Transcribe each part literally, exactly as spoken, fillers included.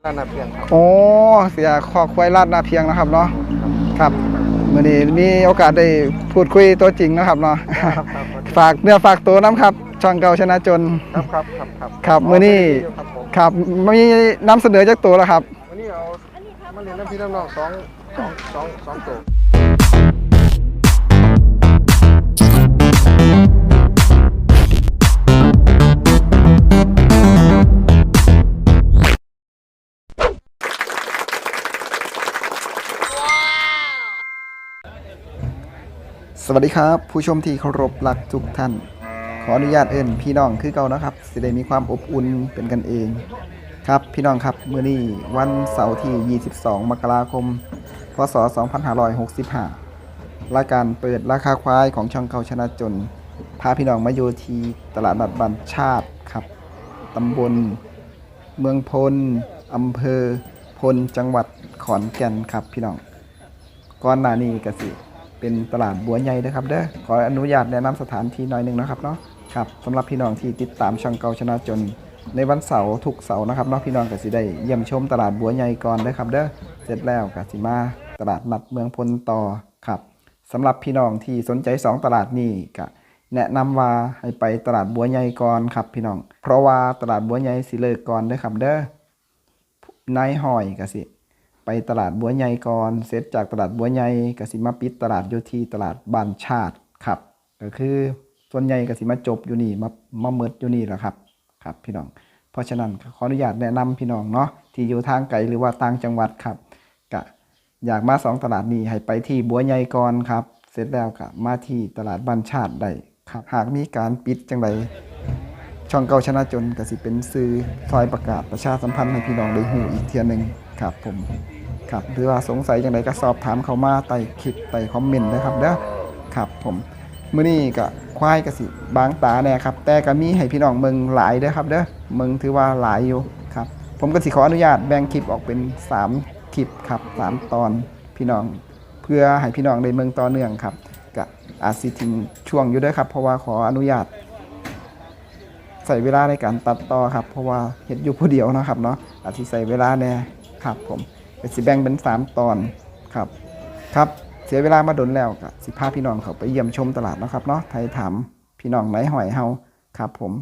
ลาดนาเพียงครับโอ้เสียคอควายลาดนาเพียงนะครับเนาะครับเมื่อนี้มีโอกาสได้พูดคุยตัวจริงนะครับเนาะฝากเนื้อฝากตัวน้ำครับช่องเก่าชนะจนครับครับครับครับครับเมื่อนี้ครับมีน้ำเสนอจากตัวแล้วครับวันนี้เอามาเรียนน้ำพี่น้ำน้องสองสองสองสองตัวสวัสดีครับผู้ชมที่เคารพรักทุกท่านขออนุญาตเอิ้นพี่น้องคือเก่านะครับสิได้มีความอบอุ่นเป็นกันเองครับพี่น้องครับมื้อนี้วันเสาร์ที่ยี่สิบสองมกราคมพศสองพันห้าร้อยหกสิบห้ารายการเปิดราคาควายของช่องเก่าชนะจนพาพี่น้องมาอยู่ที่ตลาดนัดบ้านชาติครับตำบลเมืองพลอำเภอพลจังหวัดขอนแก่นครับพี่น้องก่อนหน้านี้ก็สิเป็นตลาดบัวใหญ่นะครับเด้อขออนุญาตแนะนำสถานที่หน่อยหนึ่งนะครับเนาะครับสำหรับพี่น้องที่ติดตามช่องเก่าชนะจนในวันเสาร์ทุกเสาร์นะครับเนาะพี่น้องก็สิได้เยี่ยมชมตลาดบัวใหญ่ก่อนเด้อครับเด้อเสร็จแล้วก็สิมาตลาดนัดเมืองพลต่อครับสำหรับพี่น้องที่สนใจสองตลาดนี้ก็แนะนำว่าให้ไปตลาดบัวใหญ่ก่อนครับพี่น้องเพราะว่าตลาดบัวใหญ่สิเลิกก่อนเด้อครับเด้อนายห้อยก็สิไปตลาดบัวใหญ่ก่อนเสร็จจากตลาดบัวใหญ่ก็สิมาปิดตลาดอยู่ที่ตลาดบ้านชาติครับก็คือส่วนใหญ่ก็สิมาจบอยู่นี่มามาเมิดอยู่นี่แหละครับครับพี่น้องเพราะฉะนั้นขออนุญาตแนะนำพี่น้องเนาะที่อยู่ทางไกลหรือว่าต่างจังหวัดครับก็อยากมาสองตลาดนี้ให้ไปที่บัวใหญ่ก่อนครับเสร็จแล้วก็มาที่ตลาดบ้านชาติได้ครับหากมีการปิดจังไดช่องเก่าชนะจนก็สิเป็นสื่อซอยประกาศประชาสัมพันธ์ให้พี่น้องได้หูอีกเทียนึงครับผมครับหรือว่าสงสัยอย่างไรก็สอบถามเขามาใต้คลิปใต้คอมเมนต์นะครับเด้อครับผมมื้อนี้ก็ควายก็สิบางตาแน่ครับแต่ก็มีให้พี่น้องเมืองหลายเด้อครับเด้อเมืองถือว่าหลายอยู่ครับผมก็สิขออนุญาตแบ่งคลิปออกเป็นสามคลิปครับสามตอนพี่น้องเพื่อให้พี่น้องได้เมืองต่อเนื่องครับก็อาจสิทิ้งช่วงอยู่เด้อครับเพราะว่าขออนุญาตใส่เวลาในการตัดต่อครับเพราะว่าเฮ็ดอยู่ผู้เดียวนะครับเนาะอาจสิใส่เวลาแน่ครับผมก็สิแบ่งเป็นสามตอนครับครับเสียเวลามาดนแล้วก็สิพาพี่น้องเขาไปเยี่ยมชมตลาดนะครับเนาะไทยถามพี่น้องไหนหอยเฮาครับผม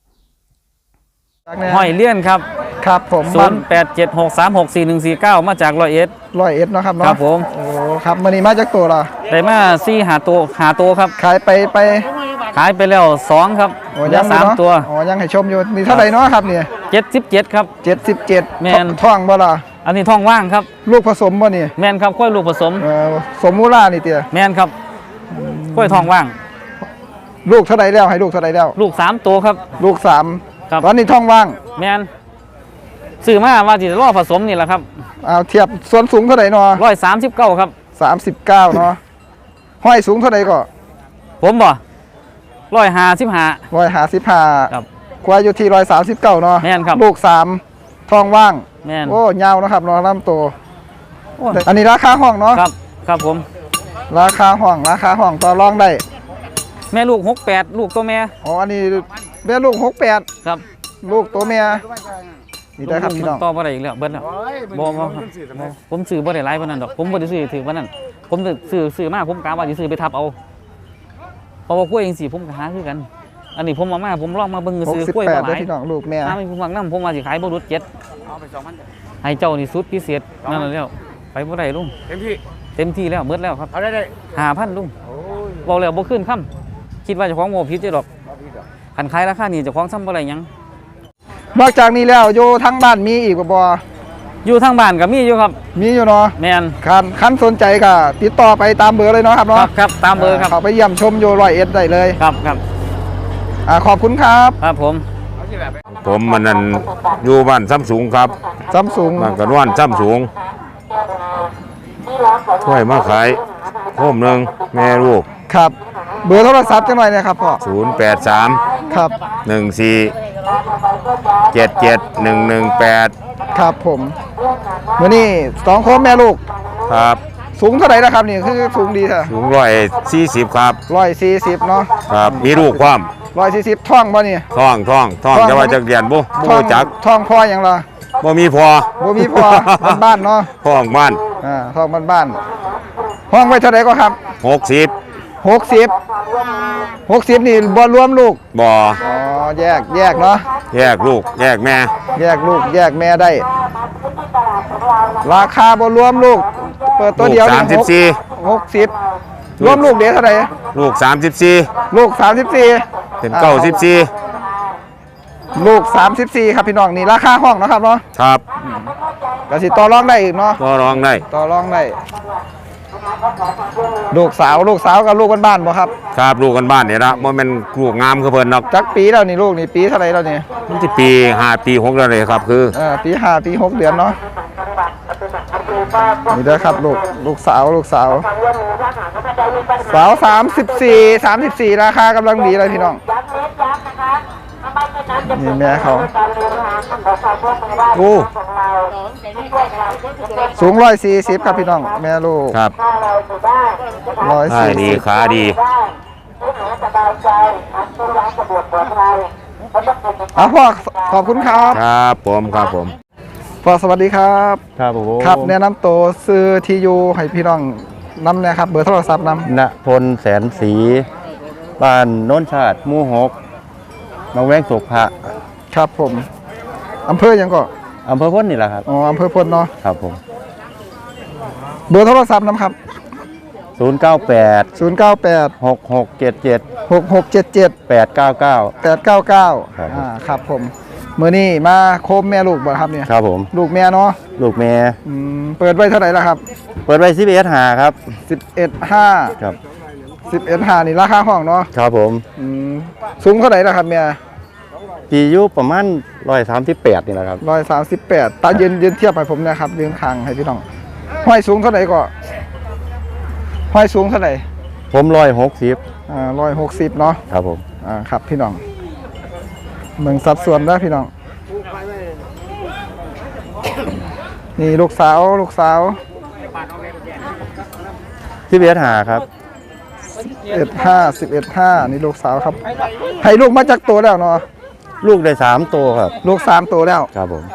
หอยเลี่ยนครับครับผมศูนย์แปดเจ็ดหกสามหกสี่หนึ่งสี่เก้ามาจากร้อยเอ็ดร้อยเอ็ดเนาะครับเนาะครับผมโอ้ครับมื้อนี้มาจากตัวละได้มาสี่หาตัวหาตัวครับขายไปไปขายไปแล้วสองครับโอ้ยังสามตัวอ๋อยังให้ชมอยู่นี่เท่าไหร่เนาะครับเนี่ยเจ็ดสิบเจ็ดครับเจ็ดสิบเจ็ดแมนท้องบ่ล่ะอันนี้ท้องว่างครับลูกผสมบ่นี่แมนครับกล้วยลูกผสมเออสมมูล่านี่เตี้ยแมนครับกล้วยท้องว่างลูกเท่าไหร่แล้วให้ลูกเท่าไหร่แล้วลูกสามตัวครับลูกสามครับตอนนี้ท้องว่างแมนซื้อมาว่าจะรอผสมนี่แหละครับเอาเทียบส่วนสูงเท่าไหร่เนาะร้อยสามสิบเก้าครับสามสิบเก้าเนาะห้อยสูงเท่าไหร่ก็ผมบ่ร้อยห้าสิบห้าร้อยห้าสิบห้าครับควายอยู่ที่ร้อยสามสิบเก้าเนาะแม่นครับลูกสามท้องว่างแม่นโอ้ยาวนะครับเนาะลำโตอันนี้ราคาห้องเนาะครับครับผมราคาห้องราคาห้องต่อรองได้แม่ลูกหกแปดลูกตัวแม่อ๋ออันนี้แม่ลูกหกแปดครับลูกตัวแม่นี่ได้ครับพี่น้องต่อบ่ได้อีกแล้วเบิ้ลแล้วบ่บ่ผมซื้อบ่ได้หลายปานนั้นดอกผมบ่ได้ซื้อถือปานนั้นผมซื้อซื้อมาผมกะว่าสิซื้อไปทับเอาเพราะว่ากล้วยจังซี่ผมก็หาคือกันอันนี้ผมเอามาผมลองมาเบิ่งซื้อกล้วยบ่หลายพี่น้องลูกแม่ถ้ามีผมฟังนำผมว่าสิขายบ่รุดเจ็ดเอาไปสองพันให้เจ้านี่สุดพิเศษนั่นแล้วไปบ่ได้ลุงเต็มที่เต็มที่แล้วเบิดแล้วครับเอาได้ได้ห้าพันลุงโอ้ยเว้าแล้วบ่ขึ้นคำคิดว่าเจ้าของบ่ผิดดอกคันขายราคานี้เจ้าของซ้ำบ่ได้หยังนอกจากนี้แล้วอยู่ทางบ้านมีอีกบ่อยู่ทางบ้านก็มีอยู่ครับมีอยู่เนาะแม่นคันคันสนใจก็ติดต่อไปตามเบอร์เลยเนาะครับเนาะครับครับตามเบอร์ครับเขาไปเยี่ยมชมอยู่ร้อยเอ็ดได้เลยครับครับอ่าขอบคุณครับครับผมผมมันนั่นอยู่บ้านซ้ำสูงครับซ้ำสูงบ้านกันว่านซ้ำสูงถ้วยมาขายโคมหนึ่งแม่ลูกครับเบอร์โทรศัพท์จังหน่อยนะครับพ่อศูนย์แปดสามครับหนึ่งสี่เจ็ดเจ็ดหนึ่งหนึ่งแปดครับผมมื่อนี้สองโคมแม่ลูกครับสูงเท่าไหร่นะครับนี่คือสูงดีค่ะสูงร้อยสี่สิบครับร้อยสี่สิบเนาะครับมีลูกความร้อยสี่สิบท่องบ่นี่ท่องท่องท่องจะว่าจะเรียนบุบุจักท่องพ่ออย่างไรบ่มีพอบ่มีพอ บ้านๆเนาะห้องบ้านอ่าทองบ้านๆห้องไว้เท่าไหร่ก็ครับหกสิบหกสิบ หกสิบนี่บ่รวมลูกบ่อ๋อแยกแยกเนาะแยกลูกแยกแม่แยกลูกแยกแม่ได้ ราคาบ่รวมลูก เปิดตัวเดียวลูกสามสิบสี่หกสิบรวมลูกเดี๋ยวเท่าไหร่ลูกสามสิบสี่ลูกสามสิบสี่เป็นเก้าสิบสี่ลูกสามสิบสี่ครับพี่น้องนี่ราคาห้องนะครับเนาะครับก็สิต่อรองได้อีกเนาะก็ร้องได้ต่อรองได้ลูกสาวลูกสาวกับลูกบ้านๆบ่ครับครับลูกกันบ้านเนี่ยละบ่แม่นลูกงามคือเพิ่นเนาะจักปีแล้วนี่ลูกนี่ปีเท่าไหร่แล้วนี่มันสิปีห้าปีหกแล้วเลยครับคือเออปีห้าปีหกเดือนเนาะนี่เด้อครับลูกลูกสาวลูกสาวสาวสามสิบสี่สามสิบสี่ราคากำลังดีเลยพี่น้องนี่แม่เขาโอ้สูงร้อยสี่สิบครับพี่น้องแม่ลูกครับร้อยขาสี่ดีสิบขาดีอ่ะพ่อขอบคุณครับครับผมครับผมพ่อสวัสดีครับครับผมครับแนะนำตัวซื้อทียูให้พี่น้องนำนะครับเบอร์โทรศัพท์นณพลแสนศรีบ้านโน้นชาติหมู่หกหนองแวงโศกพระำครับผมอำเภอหยังก็อำเภอพ้นนี่แหละครับอ๋ออำเภอพลเนาะครับผมเบอร์โทรศัพท์นำครับศูนย์ เก้า แปดศูนย์ เก้า แปดหก หก เจ็ด เจ็ดหก หก เจ็ด เจ็ดแปด เก้า เก้าแปด เก้า เก้าครับอ่าครับผมมื้อนี้มาโคมแม่ลูกบ่ครับเนี่ยครับผมลูกแม่เนาะลูกแม่อืมเปิดไว้เท่าไหร่ล่ะครับเปิดไว้สิบเอ็ดหาครับสิบเอ็ดห้าครับสิบเอ็ดห้านี่ราคาห้องเนาะครับผมอืมสูงเท่าไหร่ล่ะครับแม่ปีอายุประมาณร้อยสามสิบแปดนี่แหละครับร้อยสามสิบแปดตายืนยืนเทียบให้ผมนะครับยืนคางให้พี่น้องห้อยสูงเท่าไหร่ก็ห้อยสูงเท่าไหร่ผมร้อยหกสิบอ่าร้อยหกสิบเนาะครับผมอ่าครับพี่น้องเมืองสัดส่วนได้พี่น้องนี่ลูกสาวลูกสาวสิบเอ็ดหาครับเอ็ดห้าสิบเอ็ดห้านี่ลูกสาวครับให้ลูกมาจากตัวแล้วเนาะลูกได้สามตัวครับลูกสามตัวแล้วครับผม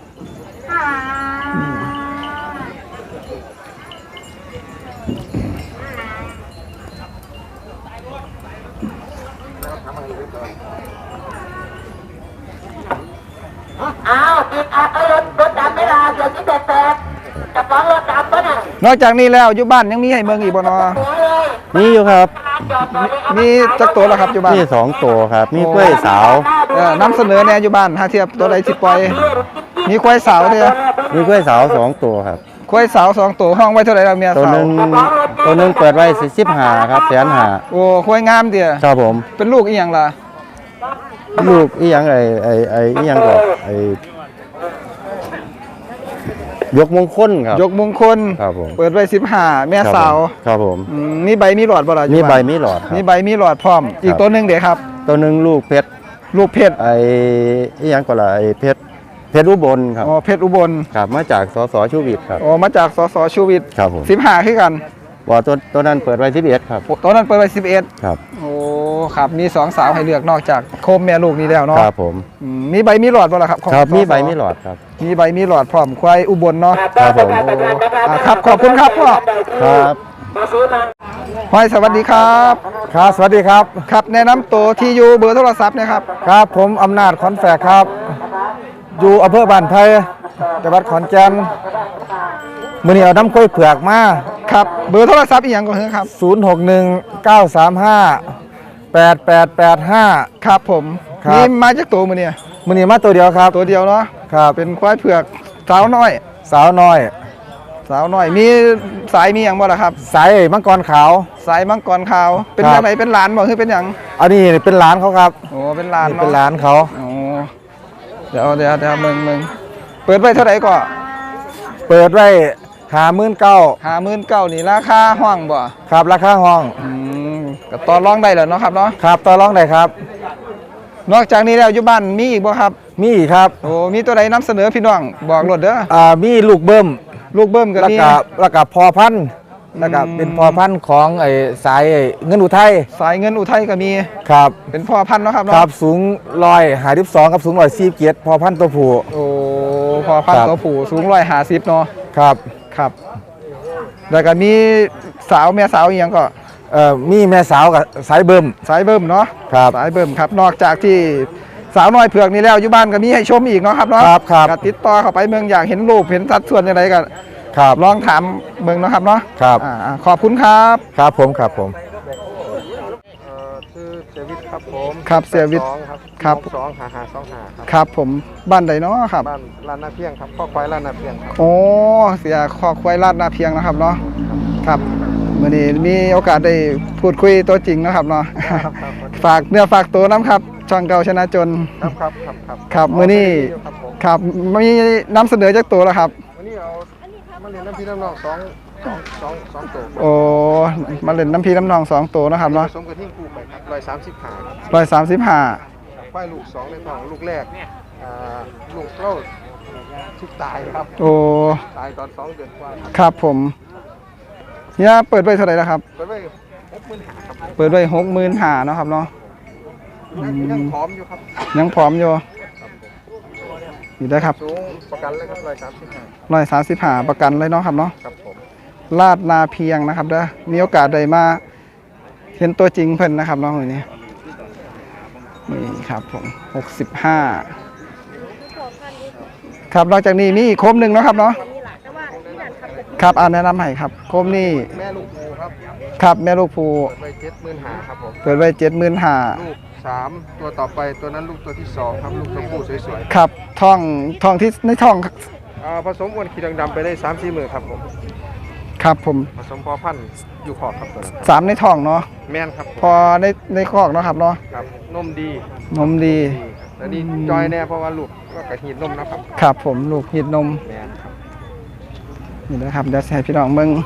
อ้าวติดอ่ะเอ้ยรถรถดำไม่ลาเดี๋ยวที่แปดแปดกระป๋องรถดำปะน่ะนอกจากนี้แล้วอยู่บ้านยังมีให้เมืองอีกบ่เนาะหัวเลยนี่อยู่ครับจอดต่อเลยมีจักตัวแล้วครับอยู่บ้านนี่สองตัวครับมีกล้วยสาวเออนำเสนอแน่อยู่บ้านหาเทียบตัวใดสิปล่อยมีควายสาวเด้อมีกล้วยสาวสองตัวครับควายสาวสองตัวห้องไว้เท่าไหร่แล้วเมียตัวสาหวนึ่งตัวหนึ่งเปิดไว้สิบหาครับแสนหาโอ้ควายงามเด้อครับผมเป็นลูกอีหยังล่ะลูกอีหยังไอไอไออีหยังก็ไอยกมงคลครับยกมงคลครับผมเปิดไว้สิบห้าแม่ครับสาวผมครับผมอืมมีใบมีหลอดบ่ล่ะอยู่มีใบบ้านมีหลอดครับมีใบมีหลอดพร้อม อีกตัวหนึงเด้ครับตัวหนึ่งลูกเพชรลูกเพชรไออีหยังก็ละไอเพชรเพชรอุบลครับอ๋อเพชรอุบลครับมาจากสสชูวิทย์ครับอ๋อมาจากสสชูวิทย์ครับผมสิบห้าคือกันว่าตัวตัวนั้นเปิดไว้สิบเอ็ดครับโอ้ตัวนั้นเปิดไว้สิบเอ็ดครับโอ้ครับมีสองสาวให้เลือกนอกจากโคมแม่ลูกนี้แล้วเนาะครับผมอืมมีใบมีหลอดบ่ล่ะครับของครับมีสสใบมีหลอดครับมีใบมีหลอดพร้อมควายอุบลเนาะครับผมอ่าครับขอบคุณครับพ่อครับห้อยสวัสดีครับครับสวัสดีครับครับแนะนำตัวที่อยู่เบอร์โทรศัพท์นะครับครับผมอำนาจขอนแฝกครับ อยู่อำเภอบ้านไผ่จังหวัดขอนแก่นมื้อนี้เอาน้ำกล้วยเผือกมาครับเบอร์โทรศัพท์อีกอย่างก็คือครับศูนย์ หก หนึ่ง เก้า สาม ห้า แปด แปด แปด ห้าครับผมครับนี่มาจากตัวมือเนี่ยมื้อนี้มาตัวเดียวครับตัวเดียวเนาะครับเป็นควายเผือกสาวน้อยสาวน้อยสาวน้อยมีสายมีอย่างบ่ล่ะครับสายมังกรขาวสายมังกรขาวเป็นครับยังไงเป็นหลานบ่คือเป็นหยังอันนี้เป็นหลานเขาครับโอ้เป็นหลานนี่เนาะเป็นหลานเขาโอ้เดี๋ยวเดี๋ยวเดี๋ยวมึงมึงเปิดไว้เท่าไหร่ก็เปิดไว้หาหมื่นเก้าห้าหมื่นเก้านี่ราคาห้องบ่ครับราคาห้องอืมก็ต่อรองได้แล้วเนาะครับเนาะครับต่อรองได้ครับนอกจากนี้แล้วอยู่บ้านมีอีกบ่ครับมีอีกครับโอ้มีตัวใดนำเสนอพี่น้องบอกรถเด้ออ่ามีลูกเบิ้มลูกเบิ้มก็แล้วมีก็แล้วก็พอพันธุ์แล้วก็อืมเป็นพอพันธุ์ของไอ้สายไอ้เงินอุทัยสายเงินอุทัยก็มีครับเป็นพ่อพันธุ์เนาะครับครัเนาะบสูงร้อยหาสิบสองกับสูงร้อยสี่เกียรติพอพันธุ์ตัวผู้โอ้พอพันครับตัวผู้สูงร้อยห้าสิบเนาะครับครับแล้วก็มีสาวแม่สาวอีกอย่างก็เอ่อมีแม่สาวกับสายเบิ่มสายเบิ่มเนาะครับสายเบิ่มครับนอกจากที่สาวน้อยเผือกนี่แล้วอยู่บ้านก็มีให้ชมอีกเนาะครับเนาะครับครับก็ติดต่อเข้าไปเมืองอยากเห็นรูปเห็นสัดส่วนอะไรก็ครับลองถามเมืองเนาะครับเนาะครับอ่าอ่าขอบคุณครับครับผมครับผมเอ่อชื่อเซวิทครับผมครับเซวิทสองครับครับสองหาหาสองหาครับครับผมบ้านใดเนาะครับบ้านลานนาเพียงครับข้อควายลานนาเพียงครับโอ้เสียคอควายลาดนาเพียงนะครับเนาะครับมื่อนี้มีโอกาสได้พูดคุยตัวจริงนะครับเนาะครับครับฝากเนื้อฝากตัวน้ำครับช่องเก่าชนะจนครับครับครับครับครับมื้อนี้ครับผมครับมีนำเสนอจากตัวแล้วครับวันนี้เอามาเรียนน้ำพี่น้ำน้องสองสองสองสองตัวโอ้มาเล่นน้ำพีน้ำนองสองตัวนะครับผเนาะสมกับทิ้งคู่ไปครับร้อยสามสิบขาครับร้อยสามสิบห้าควายลูกสองในท้องลูกแรกอ่าลูกเล่าทุกตายครับโอ้ตายตอนสองเดือนกว่าครับครับผมเนี่ยเปิดไว้เท่าไหร่แล้วครับไปไว้หกหมื่นหาครับเปิดไว้หกหมื่นห้าเนาะครับเนาะยังยังพร้อมอยู่ครับยังพร้อมอยู่อยู่ได้ครับสูงประกันเลยครับร้อยสามสิบห้าร้อยสามสิบห้าประกันเลยเนาะครับเนาะครับผมลาดนาเพียงนะครับเด้อมีโอกาสได้มาเห็นตัวจริงเพิ่นนะครับน้องคนนี้นี่ครับผมหกสิบห้าครับนอกจากนี้มีอีกโคมหนึ่งเนาะครับเนาะครับอ่าแนะนำให้ครับโคมนี่แม่ลูกภูครับครับแม่ลูกภูเปิดไว้เจ็ดหมื่นหาครับผมเปิดไว้เจ็ดหมื่นห้าลูกสามตัวต่อไปตัวนั้นลูกตัวที่สองครับลูกตัวผู้สวยครับท่องท่องที่ในท่องๆอ่าผสมอ้วนขีดดำๆไปได้สามสี่หมื่นครับผมครับผมผสมพอพันธุ์อยู่ขอบครับตัวนั้นสามในท่องเนาะแม่นครับผมพอในในคอกเนาะครับเนาะครับนมดีนมดีดีครับแล้วนี่จอยแน่เพราะว่าลูกก็กระหีดนมนะครับครับผมลูกหิดนมแม่นครับนี่นะครับเดี๋ยวให้พี่น้องเมือง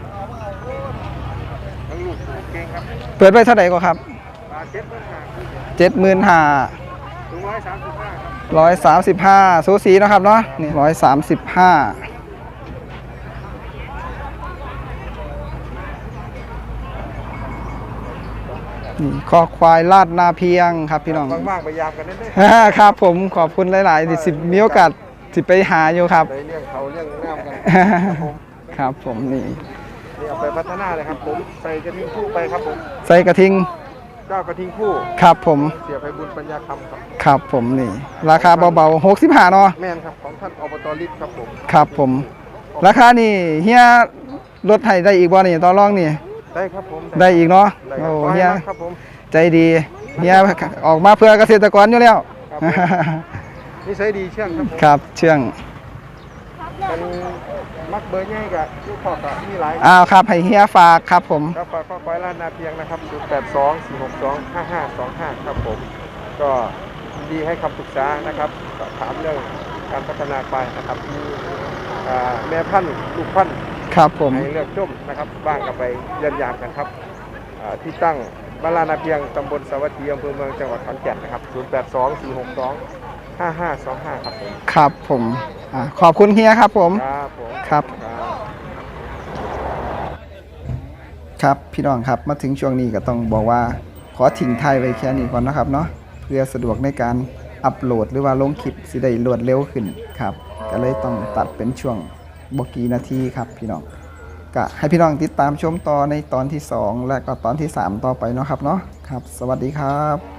ทั้งลูกเก่งครับเปิดไว้เท่าไหร่ก็ครับปลาเจ็ดหมื่นหาเจ็ดหมื่นห้าถึงร้อยสามสิบห้าครับร้อยสามสิบห้าสูสีนะครับเนาะนี่ร้อยสามสิบห้านี่คอควายลาดนาเพียงครับพี่น้องว่างๆไปยามกันได้ไหมครับผมขอบคุณหลายๆที่สิมีโอกาสสิไปหาอยู่ครับไปเลี้ยงเขาเลี้ยงน้ำกันครับผมนี่นี่เอาไปพัฒนาเลยครับผมใส่กระทิงคู่ไปครับผมใส่กระทิงเจ้ากระทิงคู่ครับผมเสียไปบุญปัญญาคำครับครับผมนี่ ราคาเบาๆหกสิบห้าเนาะแม่นครับของท่านอบตลิศครับผมครับผม ราคานี่เฮียลดให้ได้อีกบ่นี่ต่อรองนี่ได้ครับผมได้อีกเนาะได้คโอ้รับขอให้เฮียมากครับผมใจดีเฮียออกมาเพื่อเกษตรกรอยู่แล้วครับผม นิสัยดีเชื่องครับผมครับเชื่องมันมักเบอร์ง่ายกับลูกขอบกับมีหลายอ้าวครับให้เฮียฝากครับผมครับฝากข้อควายล้านนาเพียงนะครับศูนย์แปดสอง สี่หกสอง ห้าห้าสองห้าครับผม ก็ยินดีให้คำปรึกษานะครับสอบถามเรื่องการพัฒนาควายนะครับมีอ่าแม่พันธุ์ลูกพันธุ์ครับผมให้เลือกชมนะครับบ้างกับไปเยี่ยมยามกันครับอ่าที่ตั้งบ้านลานาเพียงตำบลสวัสดีอำเภอเมืองจังหวัดขอนแก่นนะครับศูนย์แปดสอง สี่หกสอง ห้าห้าสองห้าครับผมครับผมอ่าขอบคุณเฮียครับผมครับผมครับครับครับพี่น้องครับมาถึงช่วงนี้ก็ต้องบอกว่าขอทิ้งท้ายไว้แค่นี้ก่อนนะครับเนาะเพื่อสะดวกในการอัปโหลดหรือว่าลงคลิปสิได้รวดเร็วขึ้นครับก็เลยต้องตัดเป็นช่วงบกี่นาทีครับพี่น้องก็ให้พี่น้องติดตามชมต่อในตอนที่สองและก็ตอนที่สามต่อไปเนาะครับเนาะครับสวัสดีครับ